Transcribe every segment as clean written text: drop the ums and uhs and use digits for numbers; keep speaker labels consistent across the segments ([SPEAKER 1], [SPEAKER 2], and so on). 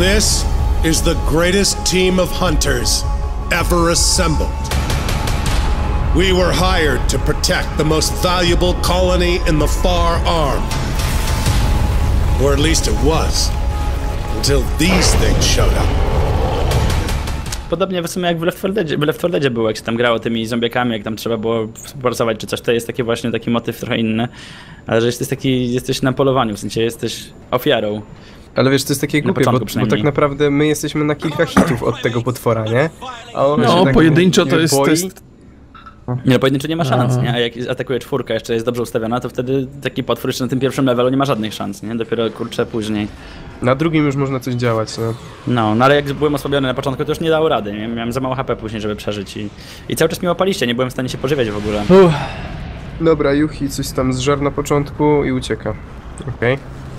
[SPEAKER 1] This is the greatest team of hunters ever assembled. We were hired to protect the most valuable colony in the Far Arm. Or at least it was. Until these things showed up.
[SPEAKER 2] Podobnie w sumie jak w Left 4 Deadzie było, jak się tam grało tymi zombiakami, jak tam trzeba było współpracować czy coś, to jest taki właśnie taki motyw trochę inny. Ale że jesteś na polowaniu, w sensie jesteś ofiarą.
[SPEAKER 3] Ale wiesz, to jest takie głupie, bo tak naprawdę my jesteśmy na kilka hitów od tego potwora, nie? A on
[SPEAKER 4] no, tak pojedynczo to jest...
[SPEAKER 2] Nie, no pojedynczo nie ma szans, nie? A jak atakuje czwórka, jeszcze jest dobrze ustawiona, to wtedy taki potwór jeszcze na tym pierwszym levelu nie ma żadnych szans, nie? Dopiero, kurczę, później.
[SPEAKER 3] Na drugim już można coś działać, no.
[SPEAKER 2] No ale jak byłem osłabiony na początku, to już nie dało rady, nie? Miałem za mało HP później, żeby przeżyć i cały czas mnie łapaliście, nie byłem w stanie się pożywiać w ogóle.
[SPEAKER 3] Dobra, Yuhi coś tam zżar na początku i ucieka. Okej.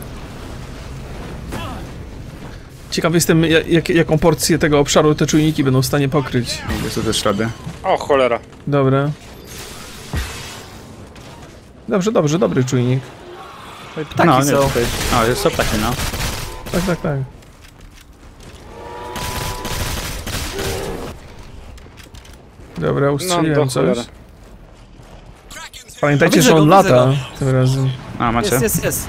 [SPEAKER 4] Ciekaw jestem, jaką porcję tego obszaru te czujniki będą w stanie pokryć.
[SPEAKER 2] Jest to też radę.
[SPEAKER 5] O cholera.
[SPEAKER 4] Dobra. Dobrze, dobry czujnik.
[SPEAKER 2] Ptaki no, są. Są ptaki, no.
[SPEAKER 4] Tak. Dobra, ustrzeliłem coś. Pamiętajcie, że on lata tym razem.
[SPEAKER 2] A, macie?
[SPEAKER 6] Jest.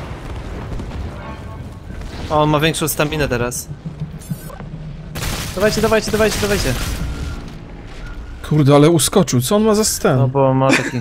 [SPEAKER 6] O, on ma większą staminę teraz. Dawajcie.
[SPEAKER 4] Kurde, ale uskoczył. Co on ma za stan?
[SPEAKER 6] No bo ma taki...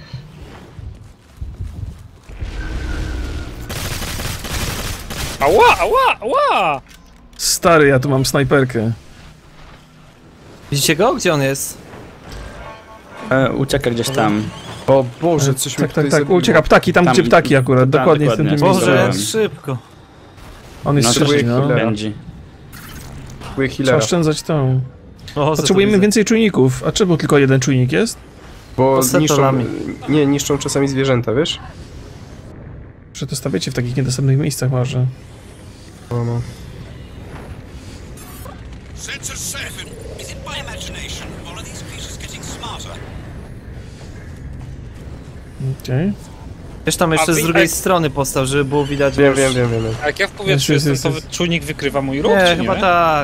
[SPEAKER 5] Ała!
[SPEAKER 4] Stary, ja tu mam snajperkę.
[SPEAKER 6] Widzicie go? Gdzie on jest?
[SPEAKER 2] Ucieka gdzieś tam.
[SPEAKER 3] O Boże, coś mi tutaj
[SPEAKER 4] tak, ucieka ptaki, tam gdzie ptaki akurat, dokładnie w tym miejscu.
[SPEAKER 6] Boże, szybko.
[SPEAKER 4] On jest szybki, no.
[SPEAKER 2] Pędzi.
[SPEAKER 4] Trzeba oszczędzać tą. Potrzebujemy więcej czujników. A czemu tylko jeden czujnik jest?
[SPEAKER 3] Bo niszczą czasami zwierzęta, wiesz?
[SPEAKER 4] Że to stawiacie w takich niedostępnych miejscach może.
[SPEAKER 3] No.
[SPEAKER 4] Okej.
[SPEAKER 6] Wiesz, tam jeszcze z drugiej strony postał, żeby było widać.
[SPEAKER 3] Wiem.
[SPEAKER 5] A jak ja w powietrzu jestem, to czujnik wykrywa mój ruch,
[SPEAKER 6] nie, chyba tak.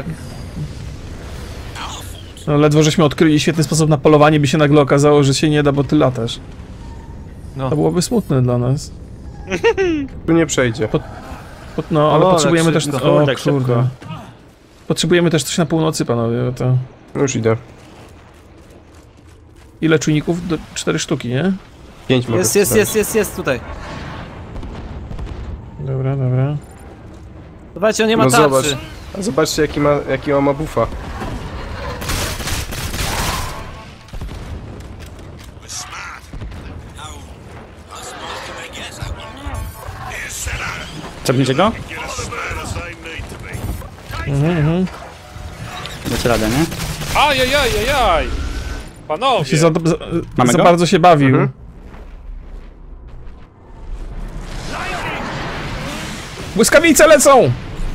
[SPEAKER 4] No ledwo żeśmy odkryli świetny sposób na polowanie, by się nagle okazało, że się nie da, bo ty latasz. No. To byłoby smutne dla nas.
[SPEAKER 3] Tu nie przejdzie.
[SPEAKER 4] No, ale potrzebujemy też... O,
[SPEAKER 2] tak
[SPEAKER 4] kurde. Potrzebujemy też coś na północy, panowie, bo to...
[SPEAKER 3] No już idę.
[SPEAKER 4] Ile czujników? 4 sztuki, nie?
[SPEAKER 3] 5 mogę.
[SPEAKER 6] Jest tutaj.
[SPEAKER 4] Dobra.
[SPEAKER 6] Zobaczcie, on nie ma tarczy.
[SPEAKER 3] Zobaczcie jaki on ma buffa.
[SPEAKER 2] Czepniecie go? Dacie radę, nie?
[SPEAKER 5] Ajajajajaj! Panowie!
[SPEAKER 4] Się za bardzo się bawił. Błyskawice lecą!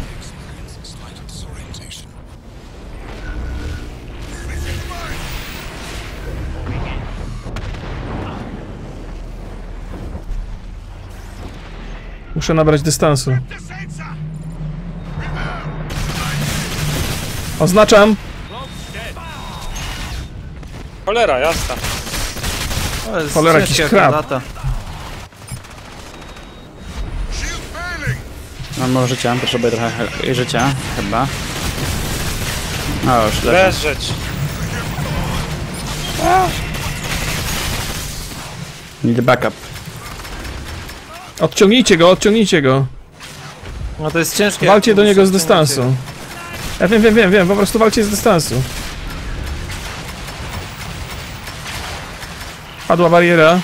[SPEAKER 4] Muszę nabrać dystansu. Oznaczam!
[SPEAKER 5] Cholera, jasna.
[SPEAKER 4] Cholera, jakiś krab.
[SPEAKER 2] Mam mało życia, potrzebuję trochę życia, chyba. O, już
[SPEAKER 5] leżeć.
[SPEAKER 2] Need backup.
[SPEAKER 4] Odciągnijcie go.
[SPEAKER 6] No to jest ciężkie.
[SPEAKER 4] Walcie do niego z dystansu. Ja wiem, po prostu walcie z dystansu. Padła bariera.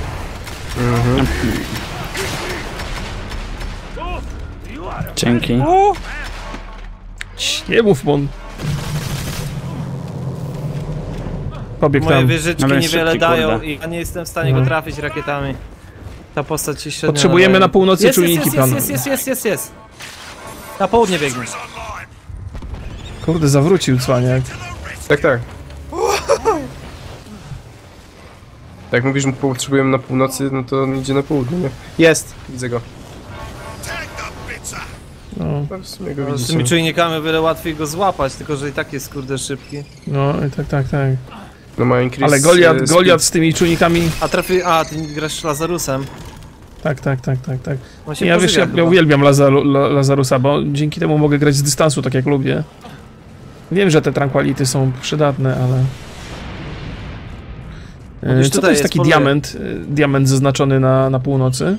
[SPEAKER 2] Dzięki.
[SPEAKER 4] Nie mów, mon. Pobiegł tam.
[SPEAKER 6] Moje wieżyczki niewiele dają i ja nie jestem w stanie go trafić rakietami. Ta postać się średnio
[SPEAKER 4] potrzebujemy na północy czujniki, pan.
[SPEAKER 6] Jest. Na południe biegnie.
[SPEAKER 4] Kurde, zawrócił cwaniak.
[SPEAKER 3] Tak. Jak mówisz, że potrzebujemy na północy, no to on idzie na południe, nie? Jest! Widzę go. No, w sumie go
[SPEAKER 6] z tymi czujnikami o wiele łatwiej go złapać, tylko że i tak jest kurde szybki.
[SPEAKER 4] No, tak.
[SPEAKER 3] No ma increase,
[SPEAKER 4] ale Goliat z tymi czujnikami...
[SPEAKER 6] A, ty Grasz Lazarusem.
[SPEAKER 4] Tak.
[SPEAKER 6] Ja
[SPEAKER 4] Ja uwielbiam Lazarusa, bo dzięki temu mogę grać z dystansu tak jak lubię. Wiem, że te tranquility są przydatne, ale... Co to jest taki diament zaznaczony na północy?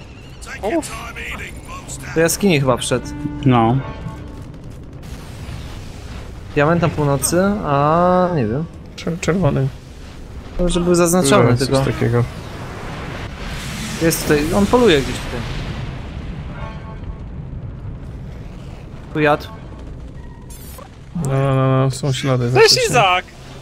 [SPEAKER 6] Do jaskini chyba wszedł.
[SPEAKER 2] No.
[SPEAKER 6] Diament na północy, a nie wiem.
[SPEAKER 4] Czerwony.
[SPEAKER 6] Może był zaznaczony
[SPEAKER 3] no,
[SPEAKER 6] tylko.
[SPEAKER 3] Takiego.
[SPEAKER 6] Jest tutaj, on poluje gdzieś tutaj. Tu jadł.
[SPEAKER 4] No, są ślady.
[SPEAKER 5] Cześć Izak!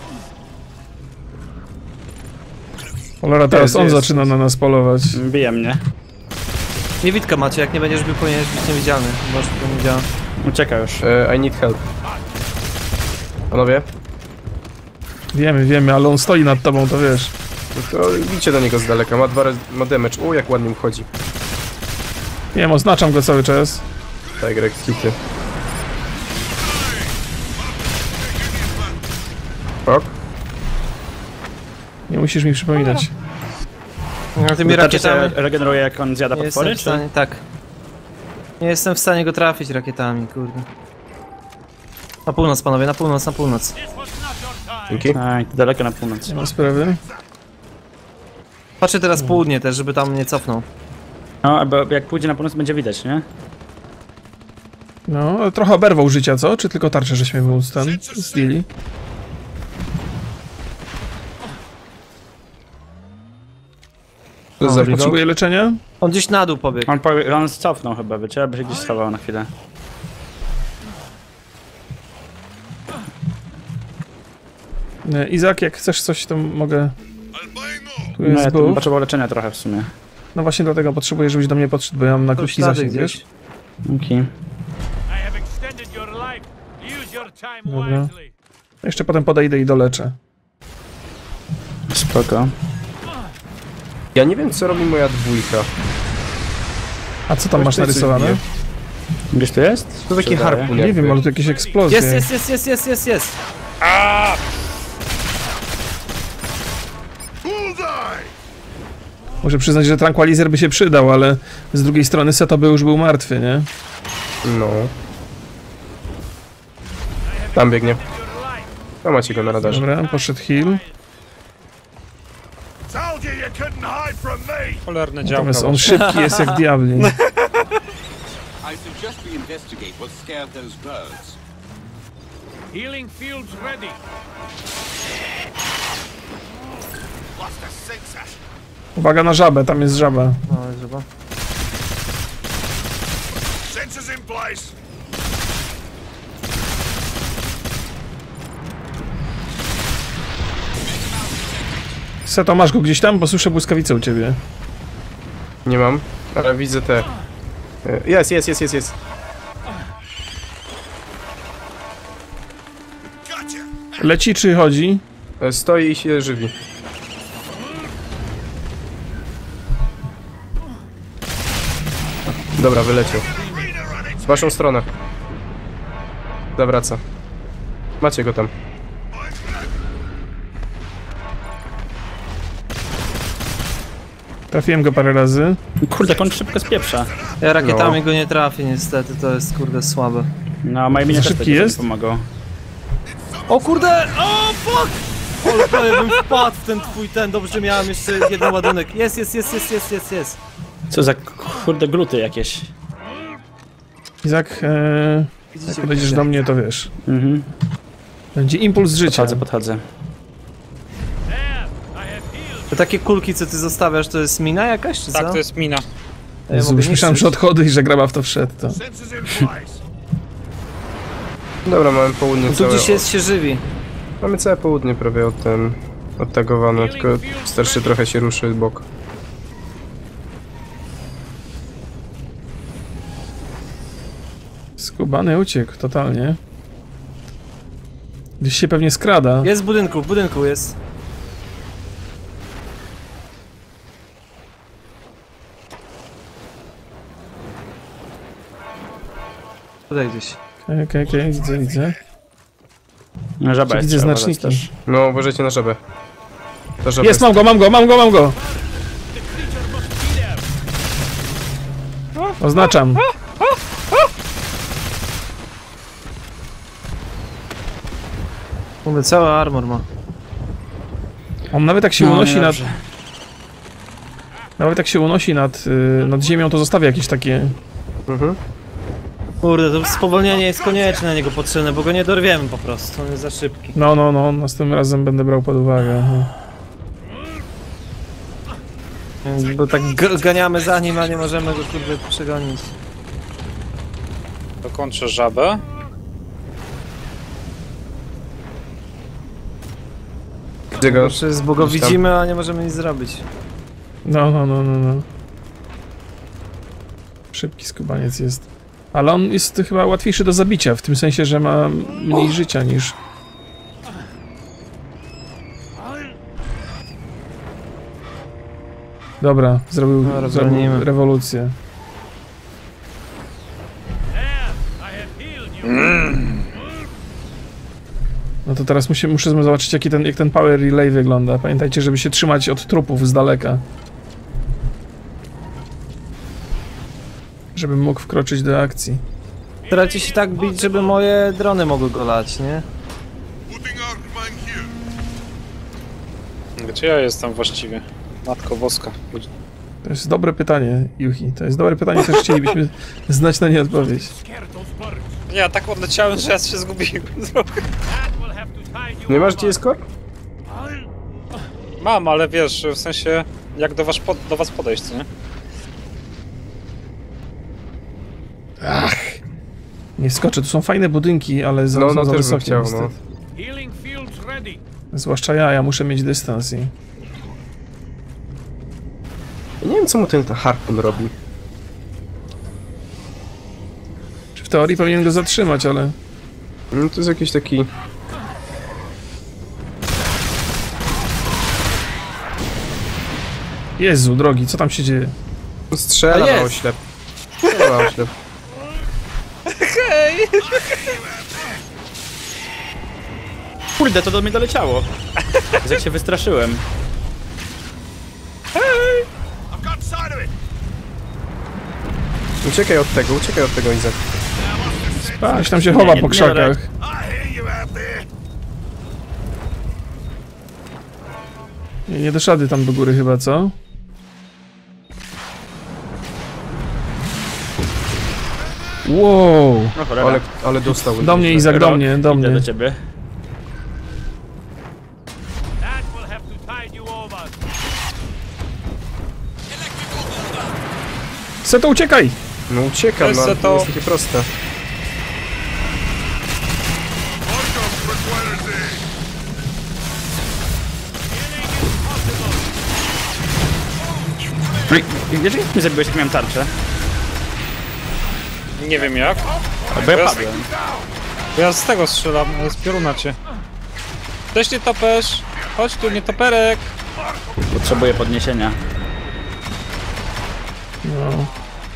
[SPEAKER 4] Cholera, teraz on zaczyna na nas polować.
[SPEAKER 2] Bije mnie.
[SPEAKER 6] Niewidka macie, jak nie będziesz powinieneś być niewidzialny. Może to nie działa.
[SPEAKER 2] Ucieka już.
[SPEAKER 3] I need help. Panowie?
[SPEAKER 4] Wiemy, ale on stoi nad tobą, to wiesz.
[SPEAKER 3] No to idźcie do niego z daleka, ma damage. O, jak ładnie mu chodzi.
[SPEAKER 4] Wiem, oznaczam go cały czas.
[SPEAKER 3] Tak, Greg, hity. Ok.
[SPEAKER 4] Nie musisz mi przypominać.
[SPEAKER 6] No, tymi rakietami
[SPEAKER 2] Regeneruje jak on zjada
[SPEAKER 6] nie
[SPEAKER 2] potwory,
[SPEAKER 6] jestem w stanie, tak. Nie jestem w stanie go trafić rakietami, kurde. Na północ, panowie, na północ.
[SPEAKER 3] Dzięki.
[SPEAKER 2] Tak, daleko na północ.
[SPEAKER 4] Nie ma sprawy.
[SPEAKER 6] Patrzę teraz południe też, żeby tam nie cofnął.
[SPEAKER 2] No, bo jak pójdzie na północ będzie widać, nie?
[SPEAKER 4] No, trochę oberwał życia, co? Czy tylko tarczę, żeśmy mu zdjęli? Potrzebuje leczenia?
[SPEAKER 6] On gdzieś na dół pobiegł.
[SPEAKER 2] On cofnął chyba, wiecie, aby się gdzieś schował na chwilę.
[SPEAKER 4] Izak, jak chcesz coś, to mogę... Tu
[SPEAKER 2] No,
[SPEAKER 4] jest
[SPEAKER 2] ja tu
[SPEAKER 4] buff.
[SPEAKER 2] potrzebował leczenia trochę w sumie.
[SPEAKER 4] No właśnie dlatego potrzebuję, żebyś do mnie podszedł, bo ja mam na krótki zasięg, wiesz?
[SPEAKER 2] Okej.
[SPEAKER 4] Dobra. Jeszcze potem podejdę i doleczę.
[SPEAKER 2] Spoko.
[SPEAKER 3] Ja nie wiem, co robi moja dwójka.
[SPEAKER 4] A co tam masz narysowane?
[SPEAKER 2] Gdzieś tu jest?
[SPEAKER 3] To taki
[SPEAKER 2] Czy daje?
[SPEAKER 3] harpun
[SPEAKER 4] Nie
[SPEAKER 3] jakby.
[SPEAKER 4] wiem, ale tu jakieś eksplozje.
[SPEAKER 6] Jest.
[SPEAKER 4] Muszę przyznać, że tranquilizer by się przydał, ale z drugiej strony Seto by już był martwy, nie?
[SPEAKER 3] No. Tam biegnie. No macie go na radarze.
[SPEAKER 4] Dobra, poszedł heal.
[SPEAKER 5] Cholerne działka.
[SPEAKER 4] Natomiast on szybki jest jak diabli.
[SPEAKER 7] I suggest we investigate what scared those birds.
[SPEAKER 8] Healing fields ready.
[SPEAKER 4] Uwaga na żabę, tam jest żaba.
[SPEAKER 6] No, żeby.
[SPEAKER 8] Sensors in place.
[SPEAKER 4] Seto, masz go gdzieś tam? Bo słyszę błyskawicę u ciebie.
[SPEAKER 3] Nie mam, ale widzę te... Jest.
[SPEAKER 4] Leci czy chodzi?
[SPEAKER 3] Stoi i się żywi. Dobra, wyleciał. W waszą stronę. Zawraca. Macie go tam.
[SPEAKER 4] Trafiłem go parę razy.
[SPEAKER 2] Kurde, jak on szybko spieprza.
[SPEAKER 6] Ja rakietami go nie trafię niestety, to jest kurde słabe.
[SPEAKER 2] No, moje minie
[SPEAKER 4] Za
[SPEAKER 2] też
[SPEAKER 4] szybki
[SPEAKER 2] nie
[SPEAKER 4] jest?
[SPEAKER 2] pomogą.
[SPEAKER 6] O kurde! O fuck! Ale prawie bym wpadł w ten twój dobrze, że miałem jeszcze jeden ładunek. Jest.
[SPEAKER 2] Co za kurde gluty jakieś.
[SPEAKER 4] Izak, jak podejdziesz do mnie, to wiesz.
[SPEAKER 2] Mhm.
[SPEAKER 4] Będzie impuls życia.
[SPEAKER 2] Podchodzę.
[SPEAKER 6] To takie kulki, co ty zostawiasz, to jest mina jakaś, czy co?
[SPEAKER 5] Tak, to jest mina.
[SPEAKER 6] Ja
[SPEAKER 4] Jezu,
[SPEAKER 6] mogę
[SPEAKER 4] już myślałem,
[SPEAKER 6] niszczyć.
[SPEAKER 4] że odchody i że graba w to wszedł. To.
[SPEAKER 8] Sensors in place.
[SPEAKER 3] Dobra, mamy południe
[SPEAKER 6] Tu
[SPEAKER 3] całe...
[SPEAKER 6] gdzieś jest, się żywi.
[SPEAKER 3] Mamy całe południe prawie odtagowane, tylko starszy trochę się ruszy w bok.
[SPEAKER 4] Skubany uciekł totalnie. Gdzieś się pewnie skrada.
[SPEAKER 6] Jest w budynku jest. Tutaj gdzieś.
[SPEAKER 4] Okej, widzę.
[SPEAKER 2] No, żaba jest,
[SPEAKER 4] Widzę
[SPEAKER 2] trzeba
[SPEAKER 4] znaczniki.
[SPEAKER 2] też.
[SPEAKER 3] No, uważajcie na żabę. Ta żaba
[SPEAKER 4] Jest, mam go! Oznaczam.
[SPEAKER 6] Mówię, cały armor ma.
[SPEAKER 4] On nawet jak się
[SPEAKER 2] No,
[SPEAKER 4] unosi nad...
[SPEAKER 2] niedobrze.
[SPEAKER 4] Nawet jak się unosi nad ziemią, to zostawia jakieś takie...
[SPEAKER 6] Kurde, to spowolnienie jest konieczne na niego potrzebne, bo go nie dorwiemy po prostu, on jest za szybki.
[SPEAKER 4] No, następnym razem będę brał pod uwagę.
[SPEAKER 6] Bo tak ganiamy za nim, a nie możemy go kurde przegonić.
[SPEAKER 5] Dokończę żabę.
[SPEAKER 3] Widzę go.
[SPEAKER 6] Bo go widzimy, a nie możemy nic zrobić.
[SPEAKER 4] No. Szybki skubaniec jest. Ale on jest chyba łatwiejszy do zabicia, w tym sensie, że ma mniej życia niż... Dobra, zrobił rewolucję. No to teraz muszę zobaczyć, jak ten power relay wygląda. Pamiętajcie, żeby się trzymać od trupów z daleka. Żebym mógł wkroczyć do akcji.
[SPEAKER 6] Staracie się tak bić, żeby moje drony mogły go lać, nie?
[SPEAKER 5] Gdzie ja jestem właściwie? Matko Boska.
[SPEAKER 4] To jest dobre pytanie, Yuhi. To jest dobre pytanie, też chcielibyśmy znać na nie odpowiedź.
[SPEAKER 5] Ja tak odleciałem, że ja się zgubiłem.
[SPEAKER 3] Nie masz gdzie jest kor?
[SPEAKER 5] Mam, ale wiesz, w sensie jak do was podejść, co nie?
[SPEAKER 4] Ach! Nie wskoczę, tu są fajne budynki, ale za
[SPEAKER 3] No, też bym
[SPEAKER 4] wysokie
[SPEAKER 3] chciał,
[SPEAKER 4] niestety.
[SPEAKER 8] Healing fields ready.
[SPEAKER 4] Zwłaszcza ja muszę mieć dystans i...
[SPEAKER 3] Ja nie wiem, co mu ten harpun robi.
[SPEAKER 4] Czy w teorii powinien go zatrzymać, ale...
[SPEAKER 3] No to jest jakiś taki...
[SPEAKER 4] Jezu, drogi, co tam się dzieje?
[SPEAKER 3] Strzela na oślep. Strzela na oślep.
[SPEAKER 2] Kurde, to do mnie doleciało. Jak się wystraszyłem.
[SPEAKER 8] I've got sight of it.
[SPEAKER 3] Uciekaj od tego, Izak.
[SPEAKER 4] Gdzieś tam się chowa po krzakach.
[SPEAKER 8] I hear you out there.
[SPEAKER 4] Nie dasz rady tam do góry chyba, co? Wow!
[SPEAKER 2] No cholera.
[SPEAKER 3] Ale dostał.
[SPEAKER 4] Do mnie, Izak, do mnie.
[SPEAKER 2] Idę do ciebie.
[SPEAKER 8] That will have to tide you over.
[SPEAKER 4] Seto, uciekaj!
[SPEAKER 3] No uciekam,
[SPEAKER 5] Jest
[SPEAKER 3] no,
[SPEAKER 5] to-
[SPEAKER 3] to jest takie proste.
[SPEAKER 2] Wiesz, jak mnie zabiłeś, jak miałem tarczę?
[SPEAKER 5] Nie wiem jak.
[SPEAKER 2] Bo ja padłem.
[SPEAKER 5] Bo ja z tego strzelam, z pioruna cię. Też nie topesz. Chodź tu, nie toperek.
[SPEAKER 2] Potrzebuję podniesienia.
[SPEAKER 4] No.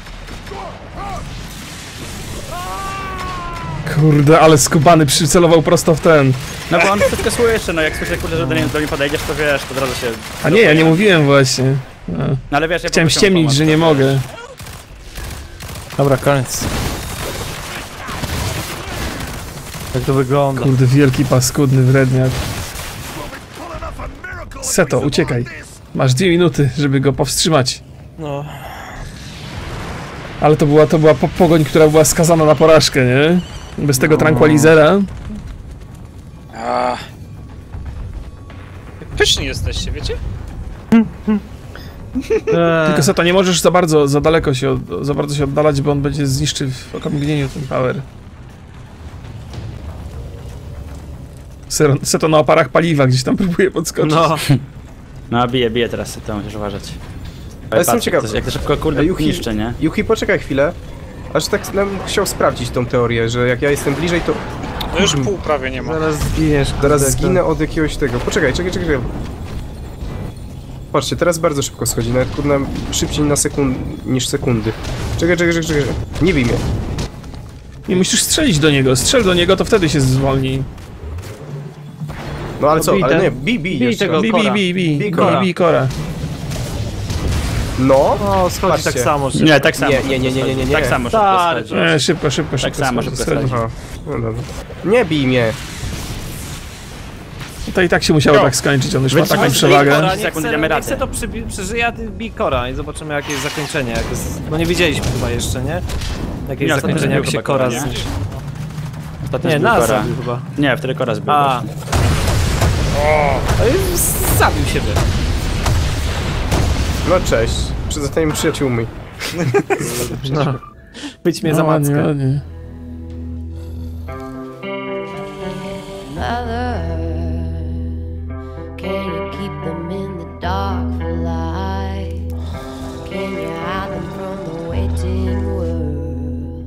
[SPEAKER 4] Kurde, ale skubany przycelował prosto w ten.
[SPEAKER 2] No bo on wszystko słyszy, no jak słyszę, kurde, że do mnie podejdziesz, to wiesz, to od razu się...
[SPEAKER 4] A nie, ja nie mówiłem właśnie. No.
[SPEAKER 2] No ale wiesz, ja
[SPEAKER 4] Chciałem
[SPEAKER 2] poprosiłem
[SPEAKER 4] ściemnić,
[SPEAKER 2] pomoc,
[SPEAKER 4] że
[SPEAKER 2] to
[SPEAKER 4] nie
[SPEAKER 2] wiesz.
[SPEAKER 4] mogę.
[SPEAKER 6] Dobra, koniec. Jak to wygląda?
[SPEAKER 4] Kurde, wielki paskudny wredniak. Seto, uciekaj. Masz 2 minuty, żeby go powstrzymać.
[SPEAKER 6] No.
[SPEAKER 4] Ale to była pogoń, która była skazana na porażkę, nie? Bez tego tranquilizera.
[SPEAKER 5] Pyszni jesteście, wiecie?
[SPEAKER 4] Tylko Seto, nie możesz za bardzo się oddalać, bo on będzie zniszczy w okamgnieniu ten power. Seto na oparach paliwa gdzieś tam próbuje podskoczyć.
[SPEAKER 6] No.
[SPEAKER 2] No bije teraz, to musisz uważać.
[SPEAKER 3] Ale jestem
[SPEAKER 2] patrz,
[SPEAKER 3] ciekaw.
[SPEAKER 2] jak to szybko, kurde, niszczy, nie?
[SPEAKER 3] Yuki, poczekaj chwilę. Aż tak chciał sprawdzić tą teorię, że jak ja jestem bliżej, to
[SPEAKER 5] No już pół prawie nie ma.
[SPEAKER 6] Zaraz zginiesz.
[SPEAKER 3] zaraz
[SPEAKER 6] kurde,
[SPEAKER 3] zginę od jakiegoś tego. Poczekaj. Patrzcie, teraz bardzo szybko schodzi, nawet kurna szybciej niż sekundy. Czekaj. Nie bij mnie.
[SPEAKER 4] Nie musisz strzelić do niego. Strzel do niego, to wtedy się zwolni.
[SPEAKER 3] No ale co?
[SPEAKER 6] bij
[SPEAKER 3] Ale
[SPEAKER 6] ten-
[SPEAKER 3] nie, bij
[SPEAKER 6] bij tego. Kora.
[SPEAKER 3] Bij Kora. No.
[SPEAKER 6] No, schodzi
[SPEAKER 3] Patrzcie.
[SPEAKER 6] tak samo. Że...
[SPEAKER 2] Nie, tak samo.
[SPEAKER 3] Nie.
[SPEAKER 2] Tak samo szybko
[SPEAKER 6] Stary.
[SPEAKER 2] schodzi.
[SPEAKER 4] Szybko
[SPEAKER 2] Tak samo
[SPEAKER 4] schodzi.
[SPEAKER 2] szybko schodzi.
[SPEAKER 3] Aha. No dobra. Nie bij mnie.
[SPEAKER 4] To i tak się musiało tak skończyć, on już ma taką przewagę.
[SPEAKER 6] Kora,
[SPEAKER 2] Sekund,
[SPEAKER 6] nie
[SPEAKER 2] damy
[SPEAKER 6] chcę
[SPEAKER 2] radę.
[SPEAKER 6] to przeżyje, a ty bij Kora i zobaczymy jakie jest zakończenie. Jak jest... No nie widzieliśmy chyba jeszcze, nie? Jakie
[SPEAKER 2] Nie,
[SPEAKER 6] jest zakończenie, jak
[SPEAKER 2] chyba
[SPEAKER 6] się Kora
[SPEAKER 2] nie?
[SPEAKER 6] zniszczy.
[SPEAKER 2] Ostatnio
[SPEAKER 6] Nie,
[SPEAKER 2] zbił
[SPEAKER 6] nas
[SPEAKER 2] Kora.
[SPEAKER 6] zabił chyba.
[SPEAKER 2] Nie, wtedy Kora zbił.
[SPEAKER 6] A.
[SPEAKER 2] właśnie.
[SPEAKER 6] Zabił siebie.
[SPEAKER 3] No cześć. Zostaniemy przyjaciółmi.
[SPEAKER 6] No. Być mnie za mackę.
[SPEAKER 4] Ładnie.
[SPEAKER 9] Mother, can you keep them in the dark for light? Can you hide them from the waiting world?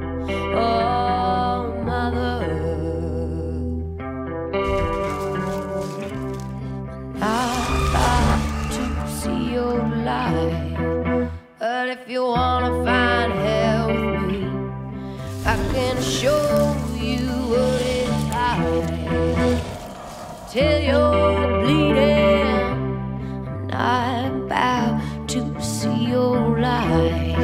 [SPEAKER 9] Oh, mother, I'd like to see your light, but if you wanna find hell with me, I can show you what it's like till you're bleeding. I'm not about to see your light.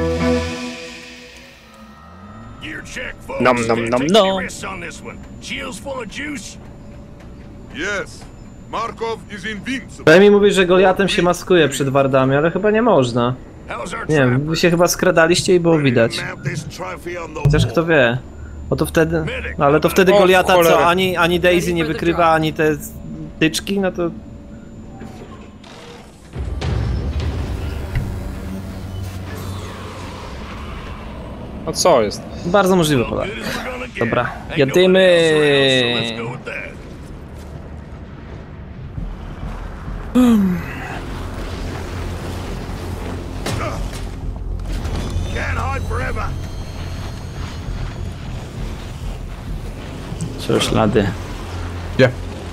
[SPEAKER 8] Gear check, folks.
[SPEAKER 2] Nom, nom, nom,
[SPEAKER 8] Take
[SPEAKER 2] nom.
[SPEAKER 8] your risks on this one. Shields full of juice.
[SPEAKER 10] Yes, Markov is invincible.
[SPEAKER 6] Daj mi mówić, że Goliatem się maskuje przed wardami, ale chyba nie można.
[SPEAKER 8] How's our
[SPEAKER 6] Nie wiem, wy się chyba skradaliście i było widać.
[SPEAKER 8] mount this trophy on the
[SPEAKER 6] Chociaż
[SPEAKER 8] wall?
[SPEAKER 6] kto wie. Bo to wtedy... No ale to wtedy
[SPEAKER 5] O,
[SPEAKER 6] Goliata
[SPEAKER 5] cholera.
[SPEAKER 6] co? Ani Daisy nie wykrywa, ani te tyczki, no to...
[SPEAKER 5] No co jest?
[SPEAKER 6] Bardzo możliwe, Polak.
[SPEAKER 8] Good as we're gonna get.
[SPEAKER 6] Dobra,
[SPEAKER 8] Ain't no
[SPEAKER 6] jadymy.
[SPEAKER 8] one else around, so let's go with that. Can't hide forever.
[SPEAKER 2] Są ślady.
[SPEAKER 3] Gdzie?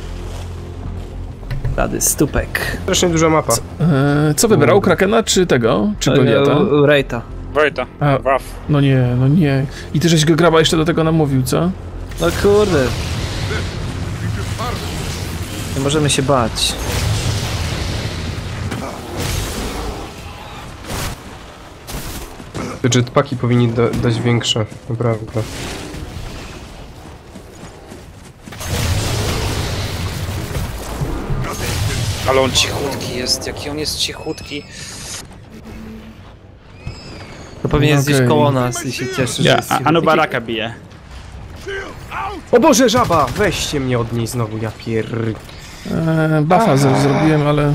[SPEAKER 6] Rady, stópek.
[SPEAKER 3] Strasznie duża mapa.
[SPEAKER 4] Co wybrał? Krakena czy tego? Czy Goliata?
[SPEAKER 6] Rejta.
[SPEAKER 5] Wojta.
[SPEAKER 4] A.
[SPEAKER 5] Waf.
[SPEAKER 4] No nie. I ty żeś go graba jeszcze do tego namówił, co?
[SPEAKER 6] No kurde. Nie możemy się bać.
[SPEAKER 3] Te jetpacki powinni dać większe, naprawdę.
[SPEAKER 5] Ale on cichutki jest, jaki on jest cichutki.
[SPEAKER 6] To pewnie jest gdzieś
[SPEAKER 4] Okej.
[SPEAKER 6] koło nas i się cieszy, że
[SPEAKER 2] Ja,
[SPEAKER 6] jest
[SPEAKER 2] Anu Baraka bije.
[SPEAKER 3] O Boże, żaba! Weźcie mnie od niej znowu, ja
[SPEAKER 4] Buffa zrobiłem, ale...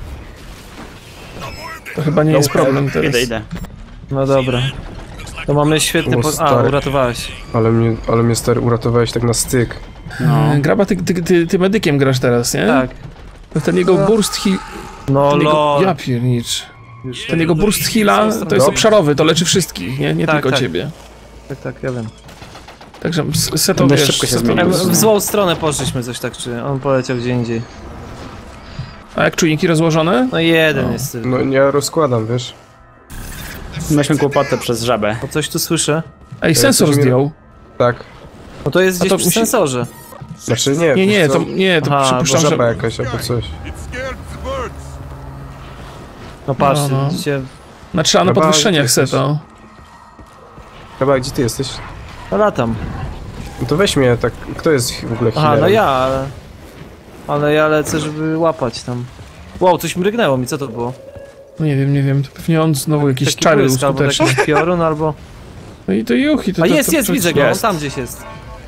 [SPEAKER 4] To chyba nie jest problem teraz.
[SPEAKER 2] Idę.
[SPEAKER 6] No dobra. To mamy świetny
[SPEAKER 3] O,
[SPEAKER 6] A,
[SPEAKER 3] stary.
[SPEAKER 6] uratowałeś.
[SPEAKER 3] Ale mnie stary uratowałeś tak na styk.
[SPEAKER 4] Graba, ty medykiem grasz teraz, nie?
[SPEAKER 6] Tak.
[SPEAKER 4] To ten jego burst heal...
[SPEAKER 6] No
[SPEAKER 4] Ten jego,
[SPEAKER 6] lol.
[SPEAKER 4] ja piernicz. Ten jego burst heala to jest
[SPEAKER 6] Dobrze.
[SPEAKER 4] obszarowy, to leczy wszystkich, nie
[SPEAKER 6] Tak,
[SPEAKER 4] tylko
[SPEAKER 6] tak.
[SPEAKER 4] ciebie.
[SPEAKER 6] Tak, ja wiem.
[SPEAKER 4] Także Seto,
[SPEAKER 2] Dość
[SPEAKER 4] wiesz,
[SPEAKER 2] szybko się
[SPEAKER 4] Seto-
[SPEAKER 2] zmienił.
[SPEAKER 6] W złą stronę poszliśmy coś tak, czy on poleciał gdzie indziej.
[SPEAKER 4] A jak czujniki rozłożone?
[SPEAKER 6] No jeden jest tylko.
[SPEAKER 3] No ja rozkładam, wiesz.
[SPEAKER 2] Mieliśmy kłopotę przez żabę.
[SPEAKER 6] Bo coś tu słyszę.
[SPEAKER 4] Ej, sensor
[SPEAKER 3] coś mi-
[SPEAKER 4] zdjął.
[SPEAKER 3] Tak.
[SPEAKER 6] No to jest
[SPEAKER 4] A
[SPEAKER 6] gdzieś
[SPEAKER 4] to
[SPEAKER 6] przy
[SPEAKER 4] musi-
[SPEAKER 6] sensorze.
[SPEAKER 3] Znaczy nie,
[SPEAKER 4] Nie,
[SPEAKER 3] wiesz co?
[SPEAKER 4] to
[SPEAKER 6] Aha,
[SPEAKER 4] przypuszczam,
[SPEAKER 3] Żaba
[SPEAKER 4] że...
[SPEAKER 3] jakaś albo coś.
[SPEAKER 10] It scared the birds.
[SPEAKER 6] No patrz,
[SPEAKER 4] No.
[SPEAKER 6] widzicie.
[SPEAKER 4] No trzeba na
[SPEAKER 3] Chyba
[SPEAKER 4] podwyższeniach
[SPEAKER 3] gdzie jesteś?
[SPEAKER 4] Seto.
[SPEAKER 3] Chyba, gdzie ty jesteś?
[SPEAKER 6] No latam.
[SPEAKER 3] No to weź mnie tak, kto jest w ogóle
[SPEAKER 6] Aha,
[SPEAKER 3] healerem?
[SPEAKER 6] no ja, ale ja lecę, żeby łapać tam. Wow, coś mrygnęło mi, co to było?
[SPEAKER 4] Nie wiem, to pewnie on znowu jakieś
[SPEAKER 6] Taki
[SPEAKER 4] czary
[SPEAKER 6] błysk, albo
[SPEAKER 4] uskutecznił.
[SPEAKER 6] jakiś piorun, albo...
[SPEAKER 4] No i to juchi, to
[SPEAKER 6] A
[SPEAKER 4] to,
[SPEAKER 6] jest,
[SPEAKER 4] to
[SPEAKER 6] jest, widzę go, on
[SPEAKER 2] jest.
[SPEAKER 6] tam gdzieś jest.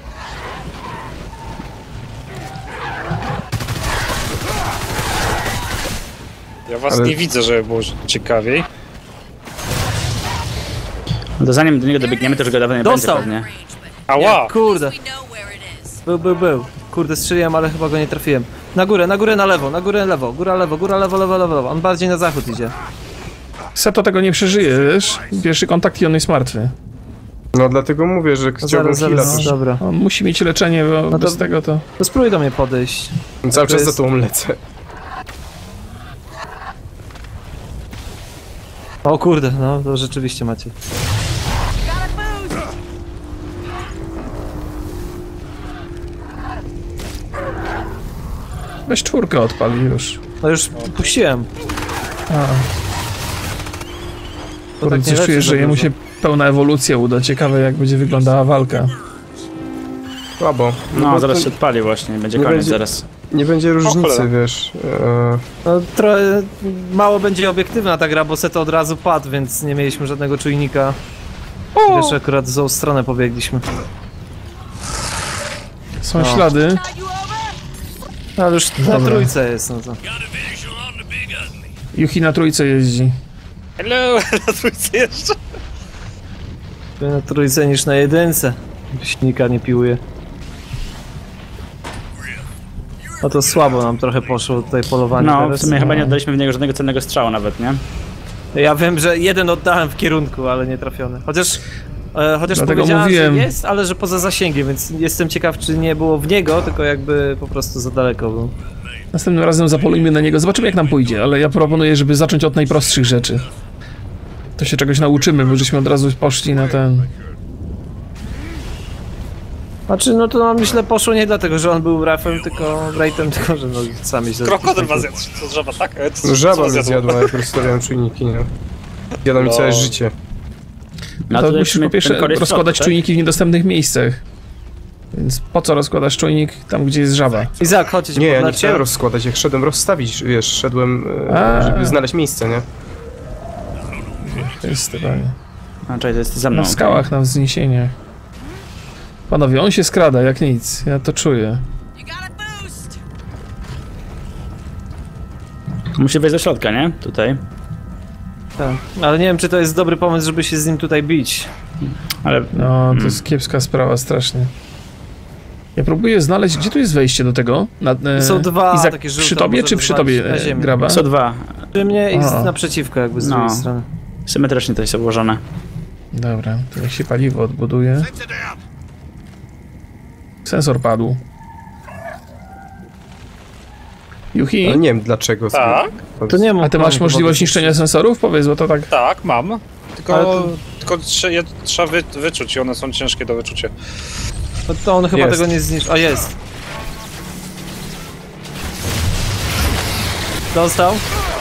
[SPEAKER 5] Ja was
[SPEAKER 3] Ale-
[SPEAKER 5] nie widzę, żeby było ciekawiej.
[SPEAKER 2] To zanim do niego dobiegniemy, to już go dawno nie
[SPEAKER 6] Dostał.
[SPEAKER 2] będzie pewnie.
[SPEAKER 5] Ała!
[SPEAKER 6] Kurde. Był. Kurde, strzeliłem, ale chyba go nie trafiłem. Na górę, na lewo, na górę, lewo. Góra, lewo. On bardziej na zachód idzie.
[SPEAKER 4] Seto tego nie przeżyje, wiesz? Pierwszy kontakt i on jest martwy.
[SPEAKER 3] No dlatego mówię, że chciałbym heala też.
[SPEAKER 6] dobra.
[SPEAKER 4] On musi mieć leczenie, bo
[SPEAKER 6] to-
[SPEAKER 4] bez tego to...
[SPEAKER 6] To spróbuj do mnie podejść.
[SPEAKER 3] Cały
[SPEAKER 6] to
[SPEAKER 3] czas
[SPEAKER 6] jest-
[SPEAKER 3] za tobą lecę.
[SPEAKER 6] O kurde, no to rzeczywiście macie.
[SPEAKER 4] Weź 4 odpal już.
[SPEAKER 6] No już puściłem.
[SPEAKER 4] A.
[SPEAKER 6] To tak
[SPEAKER 4] Coś czujesz, że jemu się pełna ewolucja uda. Ciekawe jak będzie wyglądała walka.
[SPEAKER 3] Słabo.
[SPEAKER 2] No, zaraz się odpali właśnie, będzie koniec zaraz.
[SPEAKER 3] Nie będzie różnicy, wiesz.
[SPEAKER 6] No, trochę mało będzie obiektywna ta gra, bo Seto od razu padł, więc nie mieliśmy żadnego czujnika. Wiesz, akurat w złą stronę pobiegliśmy.
[SPEAKER 4] Są ślady.
[SPEAKER 6] Ale już na trójce jest, no to.
[SPEAKER 4] Yuhi na trójce jeździ.
[SPEAKER 5] Hello, na trójce jeszcze.
[SPEAKER 6] Na trójce niż na jedynce. Silnika nie piłuje. No to słabo nam trochę poszło tutaj polowanie.
[SPEAKER 2] No,
[SPEAKER 6] teraz.
[SPEAKER 2] w sumie chyba nie oddaliśmy w niego żadnego cennego strzału nawet, nie?
[SPEAKER 6] Ja wiem, że jeden oddałem w kierunku, ale nie trafiony. Chociaż powiedziałem,
[SPEAKER 4] mówiłem.
[SPEAKER 6] że jest, ale że poza zasięgiem, więc jestem ciekaw, czy nie było w niego, tylko jakby po prostu za daleko był.
[SPEAKER 4] Następnym razem zapolujmy na niego. Zobaczymy jak nam pójdzie, ale ja proponuję, żeby zacząć od najprostszych rzeczy. To się czegoś nauczymy, bo żeśmy od razu poszli na ten...
[SPEAKER 6] Znaczy, no to nam myślę poszło nie dlatego, że on był rafem, tylko rejtem, tylko że no sami się...
[SPEAKER 5] Krokodyl was zjadł, to żaba, tak?
[SPEAKER 3] Żaba mnie zjadła, jak rozstawiałem czujniki, nie? Zjadła mi całe życie.
[SPEAKER 4] No to musisz po pierwsze rozkładać czujniki w niedostępnych miejscach. Więc po co rozkładasz czujnik tam, gdzie jest żaba?
[SPEAKER 6] Izak, chodź.
[SPEAKER 3] Nie, ja nie chciałem rozkładać, jak szedłem rozstawić, wiesz, szedłem, żeby znaleźć miejsce, nie?
[SPEAKER 4] To jest totalnie.
[SPEAKER 2] Znaczy, to jest za mną.
[SPEAKER 4] Na skałach, na wzniesieniach. Panowie, on się skrada jak nic, ja to czuję.
[SPEAKER 2] Musi wejść do środka, nie? Tutaj.
[SPEAKER 6] Tak, ale nie wiem, czy to jest dobry pomysł, żeby się z nim tutaj bić.
[SPEAKER 2] Ale...
[SPEAKER 4] No, to jest kiepska sprawa, strasznie. Ja próbuję znaleźć, gdzie tu jest wejście do tego?
[SPEAKER 6] Są dwa
[SPEAKER 4] Izak,
[SPEAKER 6] takie żółte,
[SPEAKER 4] przy tobie czy przy tobie, Graba?
[SPEAKER 2] Są dwa.
[SPEAKER 6] Przy mnie i naprzeciwko jakby z drugiej strony.
[SPEAKER 2] Symetrycznie to jest obłożone.
[SPEAKER 4] Dobra, to niech się paliwo odbuduje. Sensor padł. Yuhi?
[SPEAKER 3] Ale nie wiem dlaczego.
[SPEAKER 5] Tak?
[SPEAKER 6] To nie ma.
[SPEAKER 4] A ty masz możliwość niszczenia sensorów? Powiedz, bo to tak...
[SPEAKER 5] Tak, mam. Tylko trzeba wyczuć i one są ciężkie do wyczucia.
[SPEAKER 6] No to on chyba
[SPEAKER 3] Jest.
[SPEAKER 6] tego nie zniszczy. A jest. Dostał?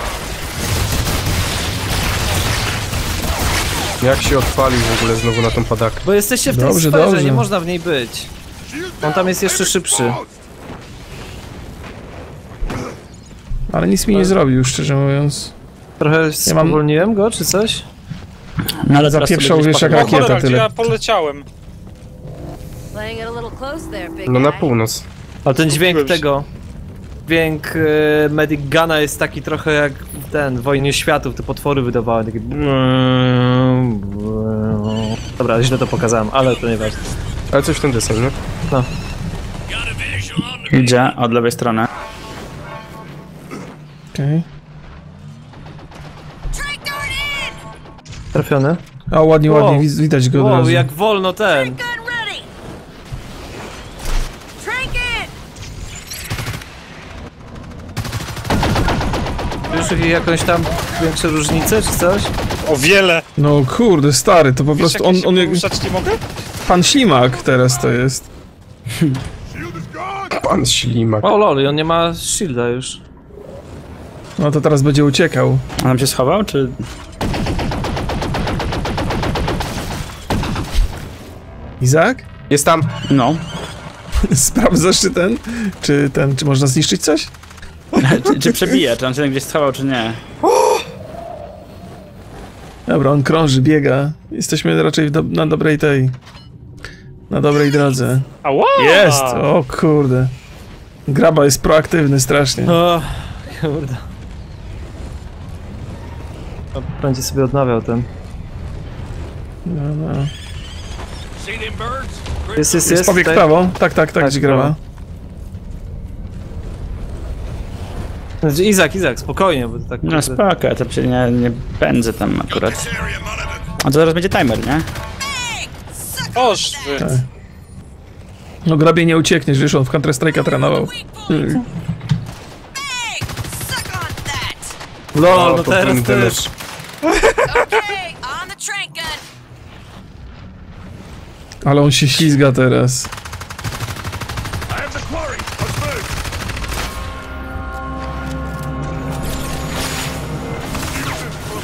[SPEAKER 3] Jak się odpalił w ogóle znowu na tą padakę?
[SPEAKER 6] Bo jesteście w tej
[SPEAKER 4] Dobrze,
[SPEAKER 6] sferze,
[SPEAKER 4] dobrze.
[SPEAKER 6] nie można w niej być. On tam jest jeszcze szybszy.
[SPEAKER 4] Ale nic mi nie zrobił, szczerze mówiąc.
[SPEAKER 6] Trochę spowolniłem go, czy coś?
[SPEAKER 2] No ale
[SPEAKER 4] zapieprzał, wiesz, jak rakieta,
[SPEAKER 5] cholera,
[SPEAKER 4] tyle.
[SPEAKER 5] gdzie ja poleciałem?
[SPEAKER 3] No na północ.
[SPEAKER 6] Ale ten dźwięk tego... Dźwięk Medic Guna jest taki trochę jak ten, w Wojnie Światów, te potwory wydawały, takie... Dobra, źle to pokazałem, ale to nieważne.
[SPEAKER 3] Ale coś w ten desen, nie?
[SPEAKER 6] No.
[SPEAKER 2] Idzie od lewej strony.
[SPEAKER 4] Okej.
[SPEAKER 6] Trafiony?
[SPEAKER 4] A ładnie, ładnie, widać go od razu.
[SPEAKER 6] Jak wolno ten! Już jakąś tam większe różnice, czy coś?
[SPEAKER 5] O wiele!
[SPEAKER 4] No kurde, stary, to po prostu on jak...
[SPEAKER 5] nie mogę?
[SPEAKER 4] Pan Ślimak teraz to jest.
[SPEAKER 3] Pan Ślimak.
[SPEAKER 6] O lol, on nie ma shielda już.
[SPEAKER 4] No to teraz będzie uciekał.
[SPEAKER 2] A tam się schował, czy...
[SPEAKER 4] Izak?
[SPEAKER 3] Jest tam!
[SPEAKER 2] No.
[SPEAKER 4] Sprawdzasz czy można zniszczyć coś?
[SPEAKER 2] czy przebije, czy on się gdzieś schował, czy nie.
[SPEAKER 4] Dobra, on krąży, biega. Jesteśmy raczej na dobrej na dobrej drodze.
[SPEAKER 5] Ała!
[SPEAKER 4] Jest! O kurde. Graba jest proaktywny strasznie.
[SPEAKER 6] O, kurde. Będzie sobie odnawiał ten.
[SPEAKER 4] No.
[SPEAKER 6] Jest.
[SPEAKER 4] Pobieg w prawo. Tak, gdzie graba.
[SPEAKER 6] Znaczy, Izak, spokojnie, bo to tak...
[SPEAKER 2] No spoko, ja to się nie pędzę tam akurat. A to zaraz będzie timer, nie?
[SPEAKER 5] Oż wy.
[SPEAKER 4] Tak. No grabie nie uciekniesz, wiesz, on w Counter Strike'a trenował.
[SPEAKER 6] No teraz też.
[SPEAKER 4] Ale on się ślizga teraz.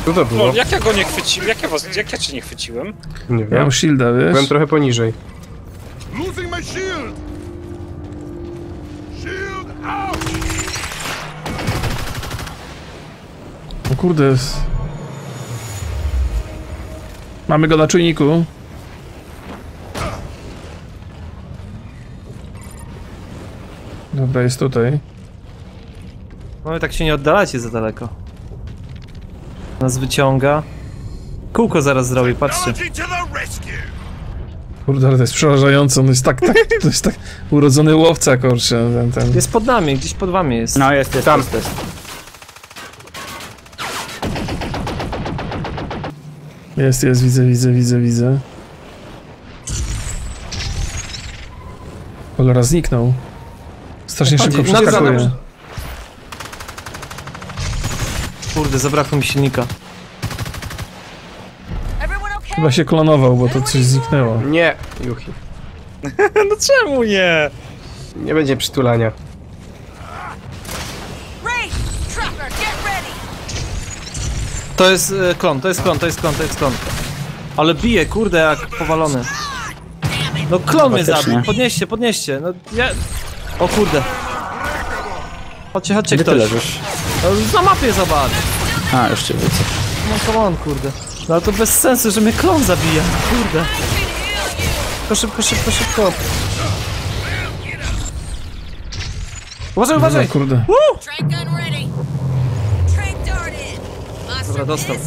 [SPEAKER 3] Co to było?
[SPEAKER 5] No, jak ja go nie chwyciłem? Jak ja cię nie chwyciłem?
[SPEAKER 3] Nie
[SPEAKER 4] Ja
[SPEAKER 3] wiem.
[SPEAKER 4] mam shielda, wiesz?
[SPEAKER 3] Byłem trochę poniżej.
[SPEAKER 10] Losing my shield. Shield out.
[SPEAKER 4] O kurde. Mamy go na czujniku. Dobra, jest tutaj.
[SPEAKER 6] No i tak się nie oddalacie za daleko. Nas wyciąga. Kółko zaraz zrobi, patrzcie.
[SPEAKER 10] Technology to the rescue.
[SPEAKER 4] Kurde, ale to jest przerażające. On jest tak, to jest tak urodzony łowca, kurczę. Ten.
[SPEAKER 6] Jest pod nami, gdzieś pod wami jest.
[SPEAKER 2] No jest.
[SPEAKER 3] Tam.
[SPEAKER 4] Jest, widzę. Cholera, zniknął. Strasznie szybko
[SPEAKER 6] Chodzi, nagle
[SPEAKER 4] przeskakuje.
[SPEAKER 6] za- Kurde, zabrakło mi silnika.
[SPEAKER 4] Chyba się klonował, bo to coś zniknęło.
[SPEAKER 3] Nie, Juchi.
[SPEAKER 5] No czemu nie?
[SPEAKER 3] Nie będzie przytulania.
[SPEAKER 6] To jest klon. Ale bije, kurde, jak powalony. No klon mnie
[SPEAKER 2] Faktycznie.
[SPEAKER 6] zabił, podnieście. No ja... O kurde. Chodźcie
[SPEAKER 2] Gdzie ty
[SPEAKER 6] ktoś.
[SPEAKER 2] leżysz?
[SPEAKER 6] No, na mapie zobacz.
[SPEAKER 2] A, już cię widzę.
[SPEAKER 6] No come on, kurde. No ale to bez sensu, że mnie klon zabija, kurde. Szybko. Uważaj!
[SPEAKER 4] Kurde.
[SPEAKER 6] Dobra, dostał.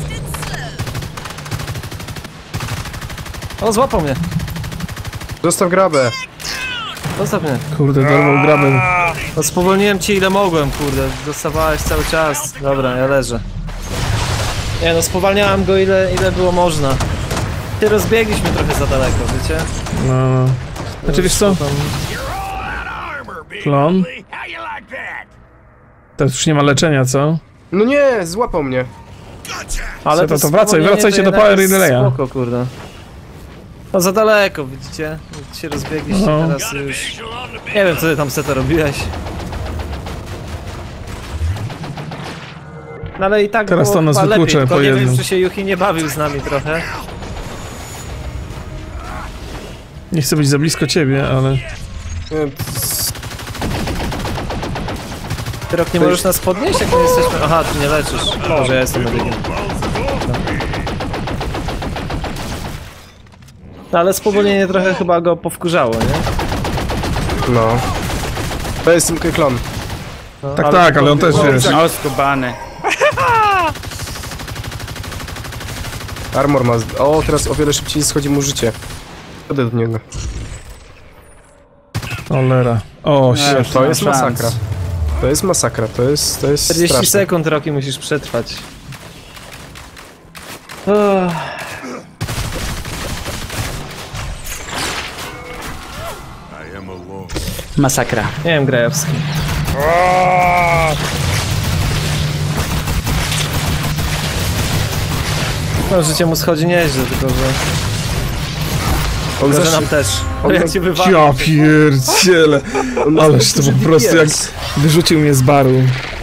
[SPEAKER 6] O, złapał mnie.
[SPEAKER 3] Zostaw grabę.
[SPEAKER 6] Zostaw mnie.
[SPEAKER 4] Kurde, dorwał grabę.
[SPEAKER 6] No spowolniłem cię ile mogłem, kurde. Dostawałeś cały czas. Dobra, ja leżę. Nie no, spowalniałem go ile było można. Ty rozbiegliśmy trochę za daleko, wiecie?
[SPEAKER 4] No. Znaczy wiesz co? Klon? Teraz już nie ma leczenia, co?
[SPEAKER 3] No nie, złapał mnie.
[SPEAKER 6] Ale
[SPEAKER 4] to wracaj,
[SPEAKER 6] spowolnienie
[SPEAKER 4] wracajcie
[SPEAKER 6] to
[SPEAKER 4] do Power
[SPEAKER 6] jednak jest
[SPEAKER 4] Relaya.
[SPEAKER 6] spoko, kurde. No za daleko, widzicie? Się rozbiegliście,
[SPEAKER 4] No.
[SPEAKER 6] teraz już... Nie wiem, co ty tam seta robiłeś. No ale i tak
[SPEAKER 4] Teraz
[SPEAKER 6] było
[SPEAKER 4] to nas
[SPEAKER 6] chyba
[SPEAKER 4] wyklucze
[SPEAKER 6] lepiej, tylko
[SPEAKER 4] po
[SPEAKER 6] nie
[SPEAKER 4] jednym.
[SPEAKER 6] wiem, czy się Yuhi nie bawił z nami trochę.
[SPEAKER 4] Nie chcę być za blisko ciebie, ale...
[SPEAKER 6] Ty Rok, nie możesz nas podnieść, jak my jesteśmy... Aha, ty nie leczysz. Może ja jestem medykiem. No ale spowolnienie trochę chyba go powkurzało, nie?
[SPEAKER 3] No. To jest klon.
[SPEAKER 6] No,
[SPEAKER 4] Tak, ale on też, wiesz...
[SPEAKER 2] No, skubany.
[SPEAKER 3] Armor ma... O, teraz o wiele szybciej schodzi mu życie. Wtedy do niego.
[SPEAKER 4] Cholera. O, shit.
[SPEAKER 3] To jest masakra. To jest masakra, to jest
[SPEAKER 6] 40
[SPEAKER 3] straszne.
[SPEAKER 6] sekund, Roki, musisz przetrwać.
[SPEAKER 10] I am alone.
[SPEAKER 2] Masakra.
[SPEAKER 6] Nie wiem, Grajowski. No, życie mu schodzi nieźle, tylko że...
[SPEAKER 3] On
[SPEAKER 6] Tylko, że
[SPEAKER 3] zawsze...
[SPEAKER 6] nam też.
[SPEAKER 3] on-
[SPEAKER 6] Jak cię wywalił.
[SPEAKER 4] Ja pierdziele. Ależ to po prostu jak wyrzucił mnie z baru.